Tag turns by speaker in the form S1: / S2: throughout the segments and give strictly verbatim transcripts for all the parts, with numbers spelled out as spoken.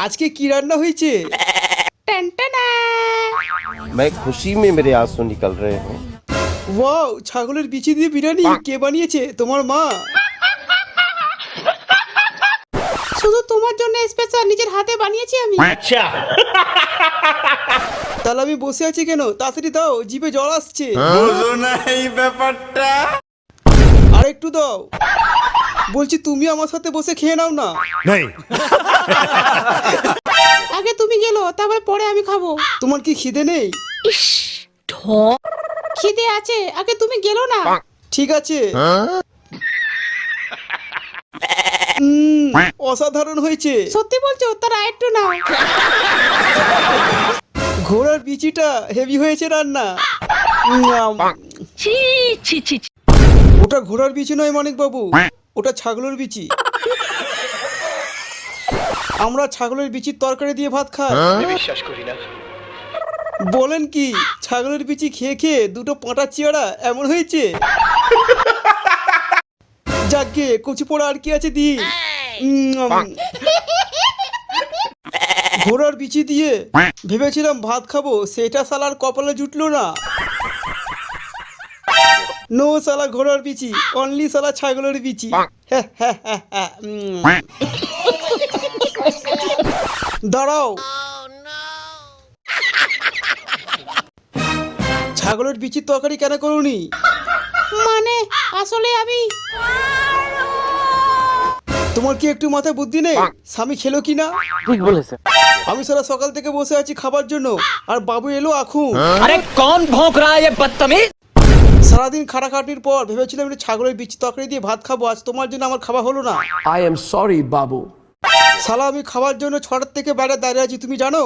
S1: আজকে কি রান্না হয়েছে?
S2: मैं खुशी में मेरे आंसू निकल रहे हैं।
S1: ওয়াও, ছাগলের বিচি দিয়ে বিরিয়ানি কে বানিয়েছে? তোমার মা? শুধু তোমার জন্য স্পেশাল নিজের হাতে বানিয়েছি আমি।
S3: আচ্ছা,
S1: তাহলে আমি বসে আছি কেন? তাড়াতাড়ি দাও, জিভে জল আসছে।
S3: বুঝো না এই ব্যাপারটা।
S1: আর একটু দাও। বলছি তুমি আমার সাথে বসে খেয়ে নাও না।
S3: नहीं
S1: আগে তুমি গেলো, তারপর পরে আমি খাবো। তোমার কি খিদে নেই? খিদে আছে, আগে তুমি গেলো না। ঠিক আছে। উম, অসাধারণ হয়েছে। সত্যি বলছো? তার একটু নাও। ঘোড়ার বিচিটা হেভি হয়েছে রান্না। উম,
S4: ছি ছি ছি ছি।
S1: ওটা ঘোড়ার বিচি নয় মানিক বাবু, ওটা ছাগলের বিচি। আমরা ছাগলের বিচির তরকারি দিয়ে ভাত খাই।
S3: বিশ্বাস করি না।
S1: বলেন কি? ছাগলের বিচি খেয়ে খেয়ে দুটো পাঁটা চিয়ারা এমন হয়েছে। যাকে কচি পোড়া আর কি আছে দি। উম, ঘোড়ার বিচি দিয়ে ভেবেছিলাম ভাত খাবো, সেটা শালার কপালে জুটলো না। নো শালা ঘোড়ার বিচি, অনলি শালা ছাগলের বিচি। হ্যাঁ, হ্যাঁ, হ্যাঁ, হ্যাঁ, উম। দাঁড়াও, ছাগলের বিচির তরকারি কেন করুনি? মানে আসলে আমি, তোমার কি একটু মাথায় বুদ্ধি নেই? স্বামী খেলো কি না?
S5: ঠিক বলেছে।
S1: আমি সারা সকাল থেকে বসে আছি খাবার জন্য, আর বাবু এলো এখন।
S5: अरे कौन भौंक रहा है ये बदतमीज?
S1: সারাদিন খাটাখাটির পর ভেবেছিলাম একটু ছাগলের বিচি তরকারি দিয়ে ভাত খাবো, আজ তোমার জন্য আমার খাওয়া হলো না।
S5: I am sorry, বাবু।
S1: শালা আমি খাবার জন্য ছটার থেকে বাইরে দাঁড়িয়ে আছি, তুমি জানো?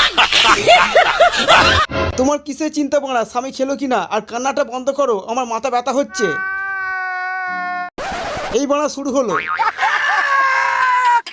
S1: তোমার কিসের চিন্তা বাড়া স্বামী খেলো কিনা? আর কান্নাটা বন্ধ করো, আমার মাথা ব্যথা হচ্ছে। এই বাড়া শুরু হলো।